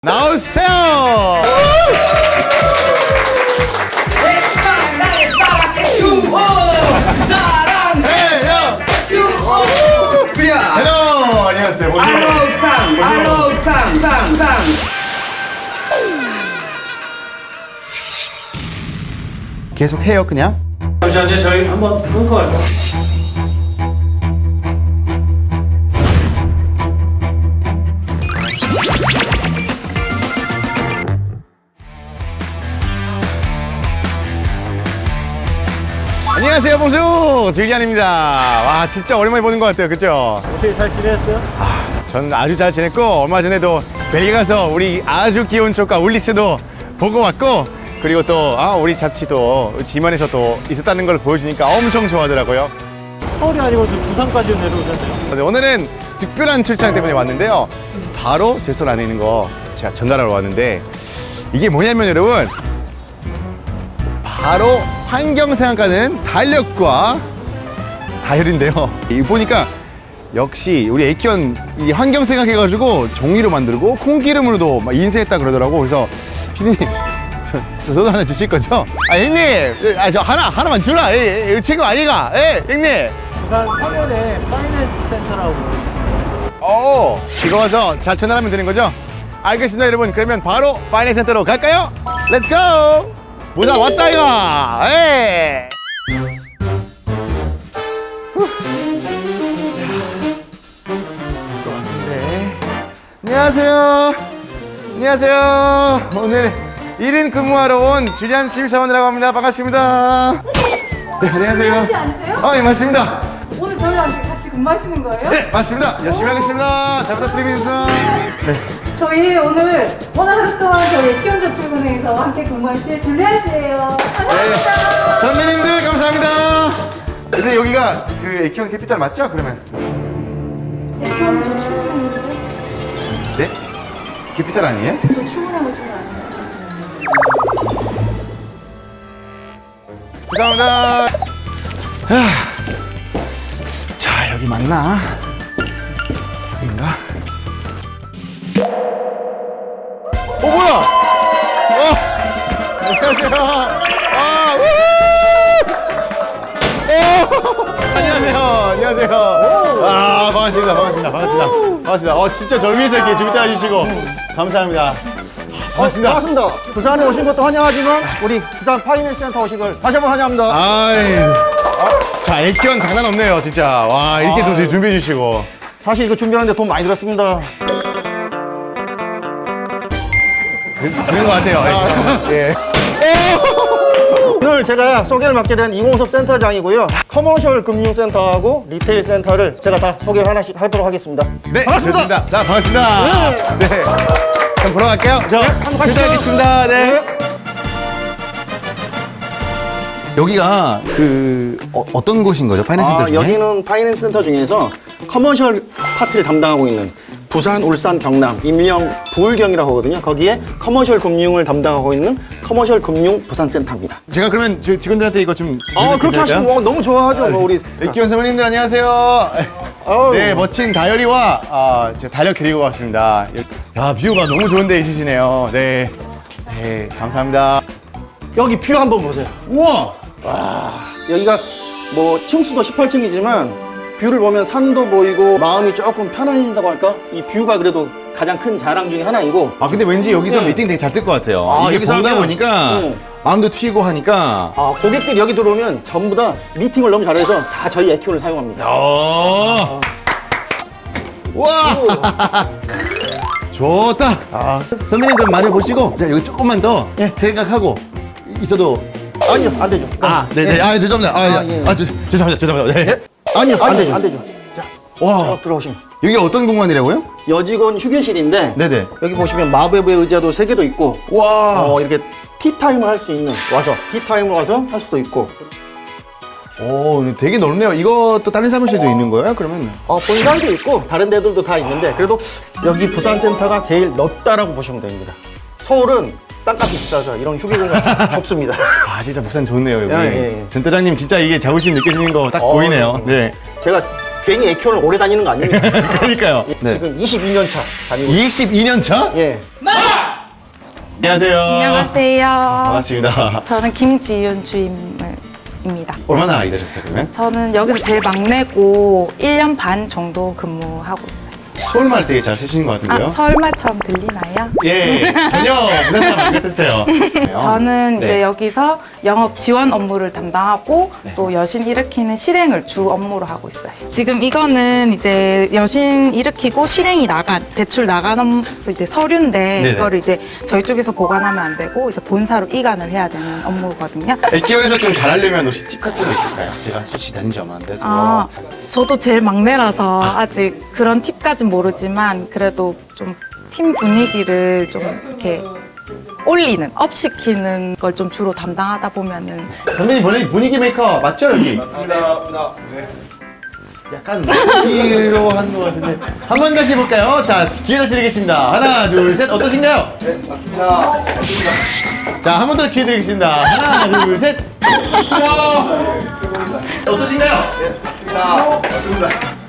나오세요! 내 사랑 나의 사랑의 듀오 사랑해요 듀오 그래 헬로! 안녕하세요. 알로탕 계속 해요, 그냥? 잠시만요, 저희 한번 끊고 갈까요? 안녕하세요, 봉수! 줄리안입니다. 와, 진짜 오랜만에 보는 것 같아요, 그죠? 어떻게 잘 지냈어요? 전 아주 잘 지냈고, 얼마 전에도 벨기에 가서 우리 아주 귀여운 조카 울리스도 보고 왔고, 그리고 또, 우리 잡지도 지면에서 또 있었다는 걸 보여주니까 엄청 좋아하더라고요. 서울이 아니고 부산까지 내려오셨네요. 네, 오늘은 특별한 출장 때문에 왔는데요. 바로 제 손 안에 있는 거 제가 전달하러 왔는데, 이게 뭐냐면 여러분, 바로 환경 생각하는 달력과 다이어리인데요. 이거 보니까 역시 우리 애견 이 환경 생각해가지고 종이로 만들고 콩기름으로도 막 인쇄했다 그러더라고. 그래서 피디님 저도 하나 주실 거죠? 형님, 저 하나만 주라. 이거 지금 아니가? 형님. 부산 상원에 파이낸스 센터라고 있습니다. 이거 와서 잘 전달하면 되는 거죠? 알겠습니다, 여러분. 그러면 바로 파이낸스 센터로 갈까요? 렛츠 고! 모자 왔다 이거! 에이! 또 왔는데. 안녕하세요. 안녕하세요. 오늘 1인 근무하러 온 줄리안 신입사원이라고 합니다. 반갑습니다. 네, 안녕하세요. 혹시 앉으세요? 예, 맞습니다. 오늘 저희랑 같이 근무하시는 거예요? 네, 맞습니다. 열심히 하겠습니다. 잘 부탁드리겠습니다. 네. 저희 오늘 하루 동안 저희 애견저축은행에서 함께 근무하실 줄리안 씨예요. 반갑습니다. 선배님들 감사합니다. 근데 여기가 그 애견 캐피탈 맞죠? 그러면 애견저축은행인데 네? 캐피탈 아니에요? 저 출근하고 싶은 거 아니에요? 감사합니다. 자, 여기 맞나? 여긴가? 뭐야? 안녕하세요. 안녕하세요. 안녕하세요. 반갑습니다. 진짜 절 위해서 이렇게 준비해 주시고 감사합니다. 반갑습니다. 반갑습니다. 부산에 오신 것도 환영하지만 우리 부산 파이낸스 센터 오신 걸 다시 한번 환영합니다. 자, 애견 장난 없네요, 진짜. 와, 이렇게 또 준비해 주시고. 사실 이거 준비하는데 돈 많이 들었습니다. 그런 것 같아요. 예. 오늘 제가 소개를 맡게 된 이공섭 센터장이고요. 커머셜 금융센터하고 리테일 센터를 제가 다 소개 하나씩 하도록 하겠습니다. 네, 반갑습니다. 좋습니다. 자, 반갑습니다. 네. 그럼 보러 갈게요. 한번 가시죠. 출발하겠습니다. 네. 여기가 어떤 곳인 거죠? 파이낸스 센터 중에? 여기는 파이낸스 센터 중에서 커머셜 파트를 담당하고 있는 부산, 울산, 경남, 임령, 부울경이라고 하거든요. 거기에 커머셜 금융을 담당하고 있는 커머셜 금융 부산센터입니다. 제가 그러면 직원들한테 이거 좀 그렇게 하시면 너무 좋아하죠. 우리 애견 선배님들 안녕하세요. 네, 멋진 다이어리와 제가 달력 드리고 왔습니다. 야, 뷰가 너무 좋은데 있으시네요. 네. 네, 감사합니다. 여기 뷰 한번 보세요. 우와! 여기가 뭐 층수도 18층이지만 뷰를 보면 산도 보이고 마음이 조금 편안해진다고 할까? 이 뷰가 그래도 가장 큰 자랑 중에 하나이고. 근데 왠지 여기서 네. 미팅 되게 잘 될 것 같아요. 이게 여기서 보다 하면, 보니까 마음도 튀고 하니까. 고객들이 여기 들어오면 전부 다 미팅을 너무 잘해서 다 저희 에큐를 사용합니다. 와! 좋다. 선배님 그럼 말해보시고 자, 여기 조금만 더 생각하고 있어도. 아니요, 안 되죠. 네네. 죄송합니다. 죄송합니다. 네. 아니요, 안 되죠. 안 되죠. 자, 와, 들어오시면. 여기 어떤 공간이라고요? 여직원 휴게실인데 네네. 여기 보시면 마법의 의자도 3개도 있고 와. 이렇게 티타임을 할 수 있는 티타임을 와서 할 수도 있고. 되게 넓네요. 이것도 다른 사무실도 있는 거예요? 그러면? 본사도 있고 다른 데들도 다 있는데 그래도 여기 부산센터가 제일 넓다라고 보시면 됩니다. 서울은 땅값이 비싸서 이런 휴게 공간 좁습니다. 진짜 부산 좋네요, 여기. 예. 센터장님 진짜 이게 자부심 느껴지는 거 딱 보이네요. 네. 제가 괜히 에키온을 오래 다니는 거 아닙니다. 그러니까요. 네. 지금 22년 차 다니고 22년 차? 예. 안녕하세요. 안녕하세요. 반갑습니다. 저는 김지윤 주임입니다. 얼마나 일하셨어요, 그러면? 저는 여기서 제일 막내고 1년 반 정도 근무하고 있어요. 서울말 되게 잘 쓰시는 것 같은데요? 아, 서울말처럼 들리나요? 예, 전혀 부산 사람 안 같았어요. 저는 네. 이제 여기서 영업 지원 업무를 담당하고 또 여신 일으키는 실행을 주 업무로 하고 있어요. 지금 이거는 이제 여신 일으키고 실행이 대출 나가면서 이제 서류인데 네네. 이거를 이제 저희 쪽에서 보관하면 안 되고 이제 본사로 이관을 해야 되는 업무거든요. 액기원에서 좀 잘하려면 혹시 팁 같은 거 있을까요? 제가 솔직히 다닌 지 얼마 안 돼서. 아, 저도 제일 막내라서 아직 그런 팁까진 모르지만 그래도 좀 팀 분위기를 좀 이렇게 올리는, 업시키는 걸 좀 주로 담당하다 보면은 선배님 분위기 메이커 맞죠, 여기? 맞습니다. 약간 치로 하는 것 같은데 한 번 다시 해볼까요? 자, 기회 다시 드리겠습니다. 하나, 둘, 셋. 어떠신가요? 네, 맞습니다. 자, 한 번 더 기회 드리겠습니다. 하나, 둘, 셋. 어떠신가요? 맞습니다.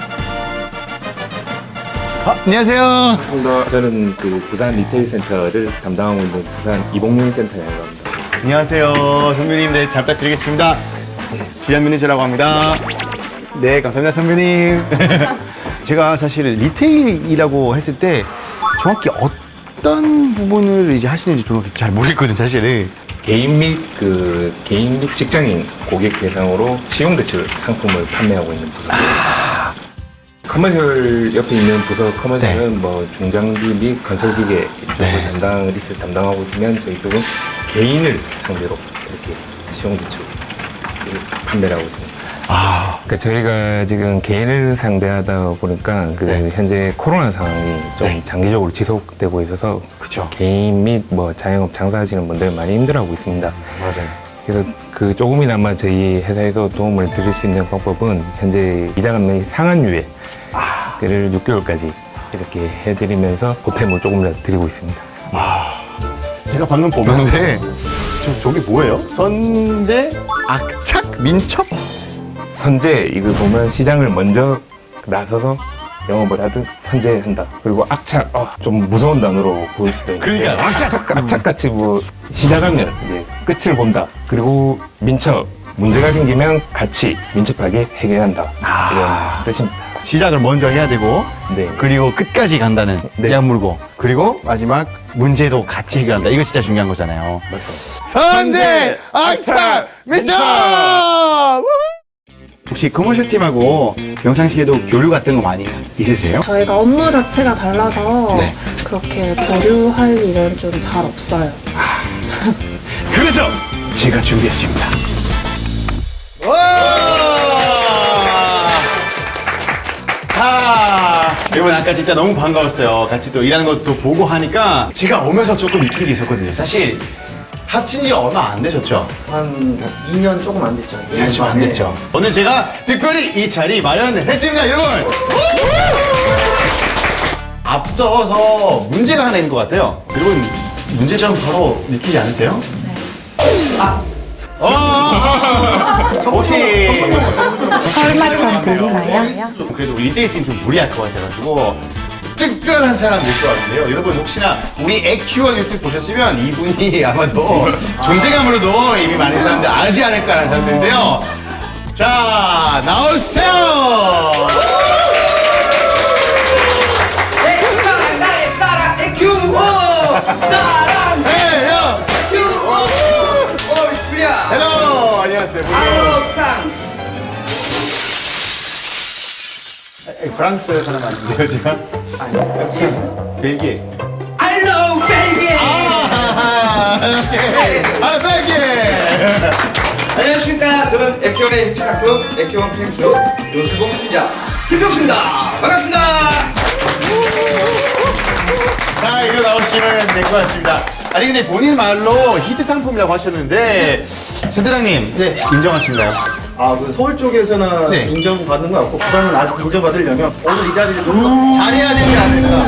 안녕하세요. 저는 그 부산 리테일 센터를 담당하고 있는 부산 이봉윤 센터장이라고 합니다. 안녕하세요. 선배님, 네, 잘 부탁드리겠습니다. 지한 매니저라고 합니다. 네, 감사합니다, 선배님. 제가 사실 리테일이라고 했을 때 정확히 어떤 부분을 이제 하시는지 정확히 잘 모르겠거든, 사실은. 개인 및 직장인 고객 대상으로 신용대출 상품을 판매하고 있는 부서입니다. 커머셜 옆에 있는 부서 커머셜은 뭐 중장비 및 건설기계 이쪽을 담당하고 있으면 저희 쪽은 개인을 상대로 이렇게 신용대출을 판매를 하고 있습니다. 그러니까 저희가 지금 개인을 상대하다 보니까 현재 코로나 상황이 좀 장기적으로 지속되고 있어서 그쵸. 개인 및 뭐 자영업 장사하시는 분들 많이 힘들어하고 있습니다. 맞아요. 그래서 그 조금이나마 저희 회사에서 도움을 드릴 수 있는 방법은 현재 이자 감면이 상한유예 를 6개월까지 이렇게 해드리면서 보탬을 조금이라도 드리고 있습니다. 제가 방금 보는데 저기 뭐예요? 선제, 악착, 민첩? 선제 이거 보면 시장을 먼저 나서서 영업을 하듯 선제한다. 그리고 악착 좀 무서운 단어로 보일 수도 있는데 그러니까 악착같이 뭐 시작하면 이제 끝을 본다. 그리고 민첩 문제가 생기면 같이 민첩하게 해결한다. 이런 뜻입니다. 시작을 먼저 해야 되고 네. 그리고 끝까지 간다는 네. 약물고 그리고 마지막 문제도 같이 해결한다. 이거 진짜 중요한 거잖아요. 맞습니다. 선제, 악착, 민첩! 혹시 커머셜 팀하고 평상시에도 교류 같은 거 많이 있으세요? 저희가 업무 자체가 달라서 네. 그렇게 교류할 일은 좀 잘 없어요. 그래서 제가 준비했습니다. 자, 여러분 아까 진짜 너무 반가웠어요. 같이 또 일하는 것도 보고 하니까 제가 오면서 조금 느낀 게 있었거든요. 사실 합친 지 얼마 안 되셨죠? 한 2년 조금 안 됐죠. 2년 좀 안 됐죠. 오늘 제가 특별히 이 자리 마련했습니다, 여러분. 앞서서 문제가 하나 있는 것 같아요. 여러분 문제점 바로 느끼지 않으세요? 혹시 서울말처럼 들리나요? 그래도 우리 1대1 팀 좀 무리할 것 같아가지고 특별한 사람 모셔왔는데요. 여러분 혹시나 우리 에큐원 유튜브 보셨으면 이분이 아마도 존재감으로도 이미 많은 사람들 알지 않을까라는 생각인데요. 자, 나오세요! 내 사랑 나의 사랑 에큐오 사랑 에큐오 빅토리아 헬로! 안녕하세요. 알로 프랑스 프랑스 사람 아닌데요, 제가? 벨기에. 알로 벨기에 벨기에! 안녕하십니까. 저는 에큐원의 해체가끔 에큐원 캠프 요술봉 팀장 김병수입니다. 반갑습니다. 자, 이리로 나오시면 될 것 같습니다. 아니, 근데 본인 말로 히트 상품이라고 하셨는데, 센터장님, 네, 인정하신가요? 그 서울 쪽에서는 네. 인정받는 거 같고 부산은 아직 인정받으려면 오늘 이 자리를 좀 더 잘해야 되지 않을까?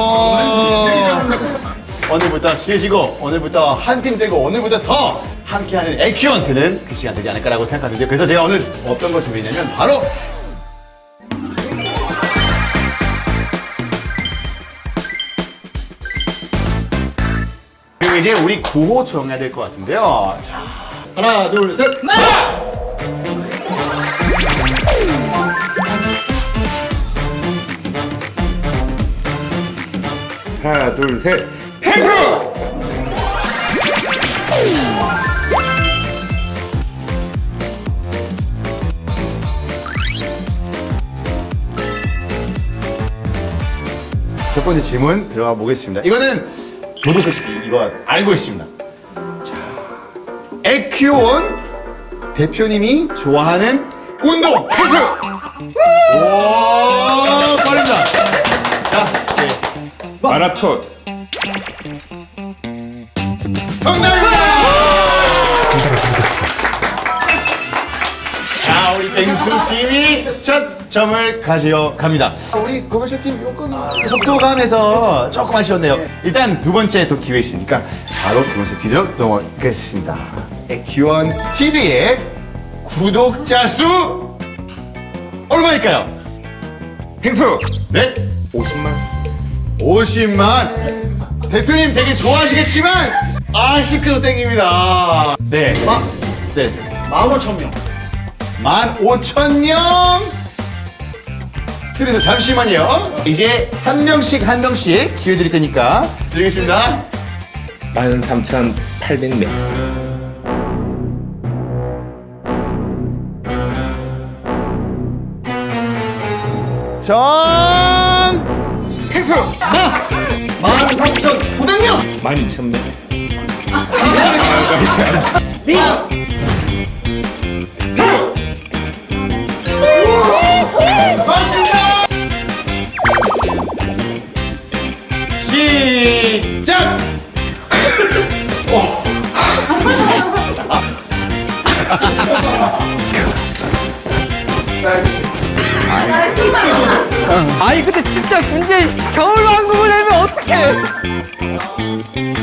오늘부터 치르시고, 오늘부터 한 팀 되고, 오늘부터 더 함께하는 에큐원트는 그 시간 되지 않을까라고 생각하는데, 그래서 제가 오늘 어떤 걸 준비했냐면, 바로 그럼 이제 우리 구호 정해야 될 것 같은데요. 자, 하나, 둘, 셋. 하나, 둘, 셋. 첫 번째 질문 들어가 보겠습니다. 이거는 저도 솔직히 이거 알고 있습니다. 자, 에큐온 대표님이 좋아하는 운동 헬스. 오, 빠릅니다. 자, 네. 마라톤. 정답입니다. 자, 우리 뱅수 팀이 첫 점을 가져갑니다. 우리 고마쇼 팀 조금 속도감에서 조금 아쉬웠네요. 일단 두 번째 또 기회 있으니까 바로 두 번째 퀴즈로 넘어가겠습니다. 에큐원 TV의 구독자 수 얼마일까요? 펭수. 네, 50만. 50만. 대표님 되게 좋아하시겠지만 아쉽게도 땡깁니다. 네, 네. 15,000명. 15,000명. 그래서 잠시만요. 이제 한 명씩 기회 드릴 테니까 드리겠습니다. 13,800명. 전 펭수. 13,900명. 12,000명. 맞습니다. 시작. 아니 근데 진짜 문제 겨울왕국을 내면 어떡해